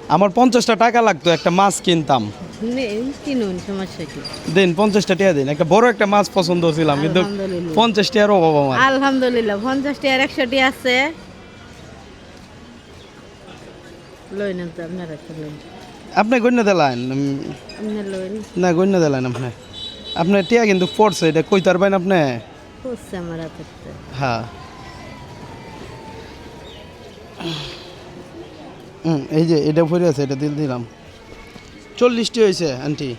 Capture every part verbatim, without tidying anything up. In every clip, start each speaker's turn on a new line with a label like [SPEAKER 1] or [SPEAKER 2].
[SPEAKER 1] আমার পঞ্চাশটা টাকা লাগতো, একটা মাছ কিনতাম।
[SPEAKER 2] কিনুন, সমস্যা কি?
[SPEAKER 1] দিন পঞ্চাশটা টাকা দিন, একটা বড় একটা মাছ পছন্দ ছিলাম, কিন্তু পঞ্চাশ টাকার অভাব আমার।
[SPEAKER 2] আলহামদুলিল্লাহ, পঞ্চাশ টাকার একশোটি আছে। লইন তো আপনারা লইন।
[SPEAKER 1] আপনি গণ্য দিলেন না, গণ্য দিলেন আপনি আপনার টিয়া কিন্তু পড়ছে, এটা কই তারবেন আপনি?
[SPEAKER 2] পড়ছে আমার হাতে।
[SPEAKER 1] হ্যাঁ, হুম, এই যে এটা পড়ে আছে, এটা দিল দিলাম। চল্লিশটি হয়েছে আন্টি,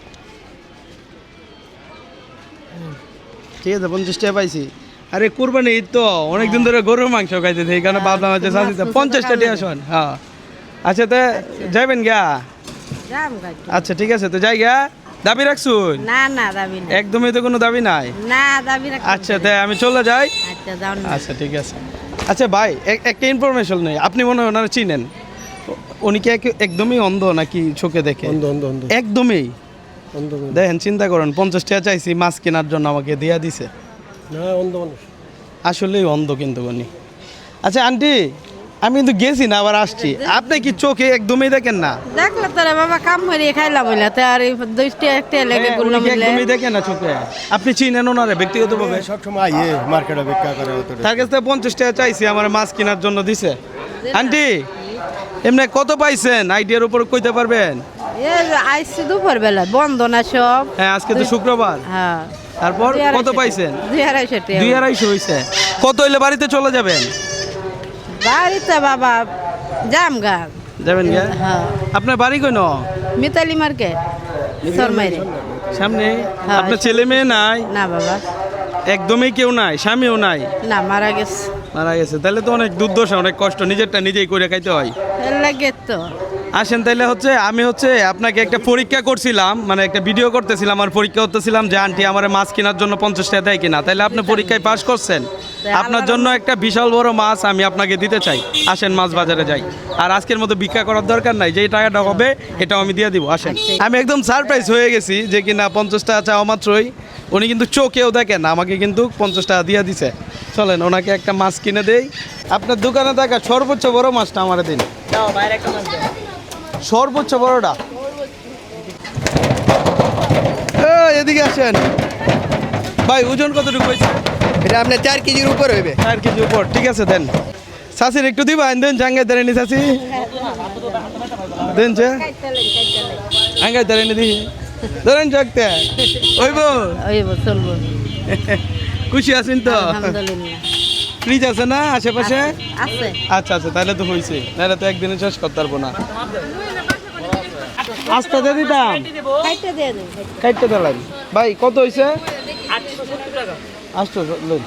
[SPEAKER 1] ঠিক আছে, পঞ্চাশ টাকা পাইছি। আরে কুরবানি ঈদ তো, অনেকদিন ধরে গরুর মাংস খাইতেছে, এই কারণে ভাবলাম হচ্ছে সাথে পঞ্চাশটা টাকা শোন। হ্যাঁ, আচ্ছা, তো যাবেন গা? আচ্ছা, ঠিক আছে, তো যাই গা। দাবি রাখছুন?
[SPEAKER 2] না না, দাবি না,
[SPEAKER 1] একদমই তো কোনো দাবি নাই।
[SPEAKER 2] না দাবি রাখ।
[SPEAKER 1] আচ্ছা, তাই আমি চলে যাই।
[SPEAKER 2] আচ্ছা, যাও না।
[SPEAKER 1] আচ্ছা, ঠিক আছে। আচ্ছা ভাই, একটা ইনফরমেশন নেই, আপনি মনে হয় ওনারা চিনেন, উনি কি এক- একদমই অন্ধ নাকি চোখে দেখে?
[SPEAKER 3] অন্ধ অন্ধ অন্ধ
[SPEAKER 1] একদমই
[SPEAKER 3] অন্ধ মানুষ।
[SPEAKER 1] দেখেন, চিন্তা করেন, পঞ্চাশ টাকা চাইছি মাছ কেনার জন্য, আমাকে দিয়া দিছে।
[SPEAKER 3] না, অন্ধ মানুষ।
[SPEAKER 1] আসলেই অন্ধ কিন্তু উনি। আচ্ছা আন্টি, আমি কিন্তু গেছি না, আবার আসছি, আপনি কি চোখে একদমই দেখেন না?
[SPEAKER 2] দেখলে তোরা বাবা কাম করিয়ে খাইলাম বলে তো, আর এই দুইটা একটা লেগে
[SPEAKER 1] হ্যাঁ, উনি
[SPEAKER 2] গুললাম
[SPEAKER 1] কি একদমই দেখেন না চোখে? আপনি চিনেন ওনারে ব্যক্তিগতভাবে?
[SPEAKER 3] সবসময় আইয়ে মার্কেটে বিক্রি করে অত
[SPEAKER 1] তার কাছ থেকে পঞ্চাশ টাকা চাইছি, আমার মাছ কেনার জন্য দিছে। আন্টি, এমনি কত পাইছেন আইডিয়ার উপর কইতে পারবেন?
[SPEAKER 2] এই আইসি দুপুর বেলা বন্ধ না সব।
[SPEAKER 1] হ্যাঁ, আজকে তো শুক্রবার।
[SPEAKER 2] হ্যাঁ,
[SPEAKER 1] তারপর
[SPEAKER 2] দুই
[SPEAKER 1] কত
[SPEAKER 2] আড়াইশো
[SPEAKER 1] পাইছেন?
[SPEAKER 2] টাকা। দুই আড়াইশো টাকা।
[SPEAKER 1] দুই আড়াইশো হয়েছে। কত হইলে বাড়িতে চলে যাবেন?
[SPEAKER 2] বাড়িতে বাবা জাম গান
[SPEAKER 1] যাবেন গা?
[SPEAKER 2] হ্যাঁ,
[SPEAKER 1] আপনার বাড়ি কই ন?
[SPEAKER 2] মিতালি মার্কেট শর্মাইরে।
[SPEAKER 1] সামনে?
[SPEAKER 2] হ্যাঁ।
[SPEAKER 1] আপনার ছেলে মেয়ে নাই?
[SPEAKER 2] না বাবা,
[SPEAKER 1] একদমই কেউ নাই, স্বামীও নাই?
[SPEAKER 2] না মারা গেছে।
[SPEAKER 1] মারা গেছে, তাহলে তো অনেক দুর্দশা, অনেক কষ্ট, নিজেরটা নিজেই করে খাইতে হয়।
[SPEAKER 2] এর লাগে তো
[SPEAKER 1] আসেন তাইলে, হচ্ছে আমি হচ্ছে আপনাকে একটা পরীক্ষা করছিলাম, মানে একটা ভিডিও করতেছিলাম, আর পরীক্ষা করতেছিলাম যে আন্টি আমার মাছ কেনার জন্য পঞ্চাশ টাকা দেয় কিনা। তাইলে আপনি পরীক্ষায় পাশ করছেন, আপনার জন্য একটা বিশাল বড় মাছ আমি আপনাকে দিতে চাই। আসেন মাছ বাজারে যাই, আর আজকের মতো ভিক্ষা করার দরকার নাই, যেই টাকাটা হবে এটাও আমি দিয়ে দিব। আসেন। আমি একদম সারপ্রাইজ হয়ে গেছি যে কিনা পঞ্চাশ টাকা চাওয়া মাত্রই উনি কিন্তু চোখেও দেখেন আমাকে কিন্তু পঞ্চাশ টাকা দিয়ে দিছে। চলেন ওনাকে একটা মাছ কিনে দেই। আপনার দোকানে থাকা সর্বোচ্চ বড় মাছটা আমার দিন, সর্বোচ্চ বড়টা। এই, এদিকে আসেন ভাই, ওজন কতটুকু হয়েছে?
[SPEAKER 3] এটা আপনার চার কেজির উপর হইবে।
[SPEAKER 1] চার কেজি উপর, ঠিক আছে দেন। চাষির একটু দিবা, দেন জাঙ্গাই দাঁড়ানি চাষি, দেন যে আঙ্গাই দাঁড়ানি দিই, ধরেন জাগতে ওইব।
[SPEAKER 2] ওই চলবো।
[SPEAKER 1] খুশি আছেন তো?
[SPEAKER 2] আলহামদুলিল্লাহ।
[SPEAKER 1] ফ্রিজ আছে না আশেপাশে?
[SPEAKER 2] আছে।
[SPEAKER 1] আচ্ছা আচ্ছা, তাহলে তো হয়েছে, তাহলে তো একদিনে শেষ করতে পারবো না। আস্তে দিয়ে দিতাম,
[SPEAKER 2] খাইতে দিয়ে দিন।
[SPEAKER 1] কাটতে দিলাম। ভাই কত হয়েছে? আটশো লইন।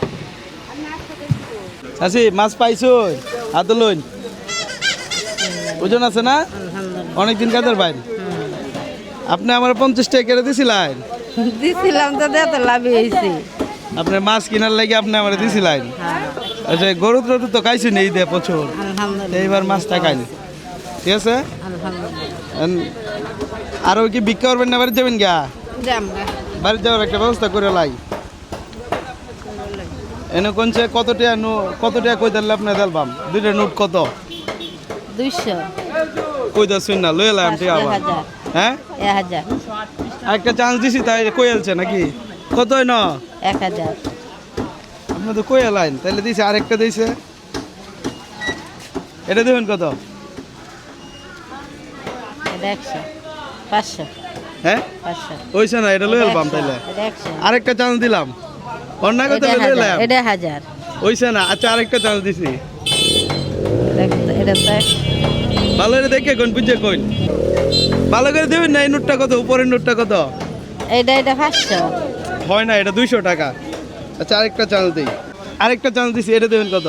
[SPEAKER 1] চাষি মাছ পাইছো? হাত লইন। ওজন আছে না?
[SPEAKER 2] আলহামদুলিল্লাহ।
[SPEAKER 1] অনেকদিন কাজের ভাই, আপনি আমার পঞ্চাশ টাকা কেটে দিছিলেন।
[SPEAKER 2] দিছিলাম তো দেতে লাভ হয়েছে।
[SPEAKER 1] আপনার মাছ কেনার লাগে আপনি আমার দিছিলেন।
[SPEAKER 2] হ্যাঁ,
[SPEAKER 1] আচ্ছা, গরু টরু তো খাইছি নেই দে প্রচুর,
[SPEAKER 2] আলহামদুলিল্লাহ।
[SPEAKER 1] এইবার মাছটা খাইনি, ঠিক আছে।
[SPEAKER 2] আলহামদুলিল্লাহ।
[SPEAKER 1] এন- আরও কি বিক্রি করবেন না বাড়িতে যাবেন গা?
[SPEAKER 2] জাম গা।
[SPEAKER 1] বাড়িতে যাওয়ার একটা ব্যবস্থা করে লাই। এনে কোনছে কত টাকা নো কত টাকা কই দিলে আপনি দিলবাম দুইটা নোট কত?
[SPEAKER 2] দুইশো।
[SPEAKER 1] কই দাসুন না লই এলাম ঠিক
[SPEAKER 2] এক
[SPEAKER 1] আবার।
[SPEAKER 2] হাজার।
[SPEAKER 1] হ্যাঁ,
[SPEAKER 2] এক হাজার।
[SPEAKER 1] একটা চান্স দিছি তাই কই আলছে নাকি? কত হয় না?
[SPEAKER 2] এক হাজার।
[SPEAKER 1] আপনি তো কই এলাইন, তাহলে দিছে আরেকটা দিছে, এটা দেবেন কত?
[SPEAKER 2] এটা একশো। পাঁচশো।
[SPEAKER 1] হ্যাঁ,
[SPEAKER 2] পাঁচশো।
[SPEAKER 1] ওইছে না, এটা লই এলাম তাইলে।
[SPEAKER 2] এটা একশো।
[SPEAKER 1] আরেকটা চান্স দিলাম, অন্য কত
[SPEAKER 2] এটা
[SPEAKER 1] লই
[SPEAKER 2] হাজার।
[SPEAKER 1] এলাম,
[SPEAKER 2] এটা হাজার।
[SPEAKER 1] ওইছে না। আচ্ছা, আরেকটা চান্স দিছি,
[SPEAKER 2] এটা- এটা তো একশো।
[SPEAKER 1] ভালো করে দেখে কোন বুঝে কোন ভালো করে দেবেন না। এই নোটটা কত? উপরের নোটটা কত?
[SPEAKER 2] এটা এটা পাঁচশো।
[SPEAKER 1] হয় না, এটা দুইশো টাকা। আচ্ছা, আরেকটা চান্স দিই, আরেকটা চান্স দিছি, এটা দেবেন কত?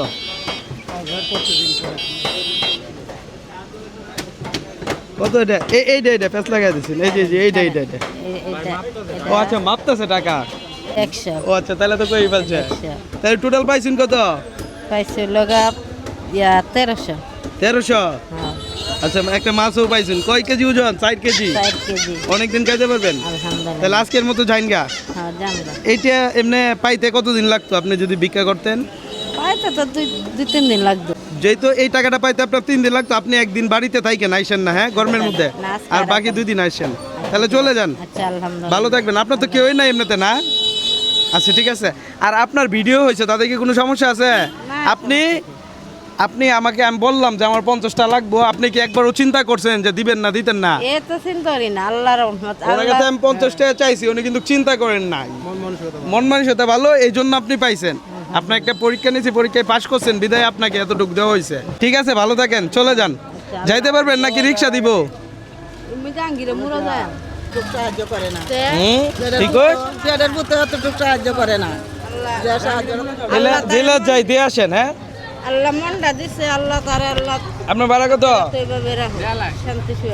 [SPEAKER 1] কত এটা? এই এইটা এইটা পেঁচ লাগাই দিচ্ছেন, এই যে এই যে এইটা এইটা এইটা।
[SPEAKER 2] এ- এটা
[SPEAKER 1] ও আচ্ছা, মাপতেছে টাকা।
[SPEAKER 2] একশো।
[SPEAKER 1] ও আচ্ছা, তাহলে তো কই ফেলছে।
[SPEAKER 2] একশো।
[SPEAKER 1] তাহলে টোটাল পাইছেন কত?
[SPEAKER 2] পাইছে লগা ইয়া তেরোশো।
[SPEAKER 1] তেরোশো।
[SPEAKER 2] হ্যাঁ,
[SPEAKER 1] আচ্ছা, একটা মাছও পাইছেন। কয় কেজি ওজন? চার কেজি।
[SPEAKER 2] চার কেজি।
[SPEAKER 1] অনেকদিন খাইতে পারবেন।
[SPEAKER 2] আলহামদুলিল্লাহ।
[SPEAKER 1] তাহলে আজকের মতো যাইন গা।
[SPEAKER 2] হ্যাঁ, জানলা।
[SPEAKER 1] এইটা এমনি পাইতে কতদিন লাগতো আপনি যদি ভিক্ষা করতেন?
[SPEAKER 2] পাইতে তো দুই দুই তিন দিন লাগতো।
[SPEAKER 1] যেহেতু এই টাকাটা পাইতে আপনার তিন দিন লাগতো, আপনি একদিন বাড়িতে থাকেন, আইসেন না, হ্যাঁ, গরমের মধ্যে,
[SPEAKER 2] না, আজকে
[SPEAKER 1] আর
[SPEAKER 2] আর
[SPEAKER 1] বাকি দুই দিন আইসেন, তাহলে চলে যান।
[SPEAKER 2] আচ্ছা আলহামদুলিল্লাহ।
[SPEAKER 1] ভালো থাকবেন, আপনার তো কেউই নাই এমনিতে না? আচ্ছা ঠিক আছে। আর আপনার ভিডিও হয়েছে, তাতে কি কোনো সমস্যা আছে? আপনি আপনি আমাকে, আমি বললাম যে আমার পঞ্চাশটা লাগবো, আপনি কি একবারও চিন্তা করছেন যে দিবেন না দিতেন না?
[SPEAKER 2] এ তো চিন্তা করি না, আল্লাহর রহমত।
[SPEAKER 1] ওনার
[SPEAKER 2] আল্লাহ
[SPEAKER 1] কাছে আমি পঞ্চাশ টাকা চাইছি, উনি কিন্তু চিন্তা করেন নাই, মন মানসিকতা ভালো, এই জন্য আপনি পাইছেন। আপনার একটা পরীক্ষা নিয়েছি, পরীক্ষায় পাশ করছেন, বিদায় আপনাকে এতটুকু দেওয়া হয়েছে। ঠিক আছে, ভালো থাকেন, চলে যান। যাইতে পারবেন নাকি রিক্সা দিব?
[SPEAKER 2] তুমি জাঙ্গিরে মুরো যায়
[SPEAKER 4] টুক সাহায্য করে না।
[SPEAKER 2] তে
[SPEAKER 1] হুম, ঠিক কই?
[SPEAKER 4] পেটের বুতে অত টুক সাহায্য করে না।
[SPEAKER 2] আল্লাহ
[SPEAKER 4] যে সাহায্য
[SPEAKER 1] জেলা জেলা যাই দিয়ে আসেন, হ্যাঁ।
[SPEAKER 2] আল্লাহ মনটা দিছে, আল্লাহ তারে আল্লাহ
[SPEAKER 1] আপনার ভাড়া কত?
[SPEAKER 2] তো এভাবে রাখো শান্তি শুয়ে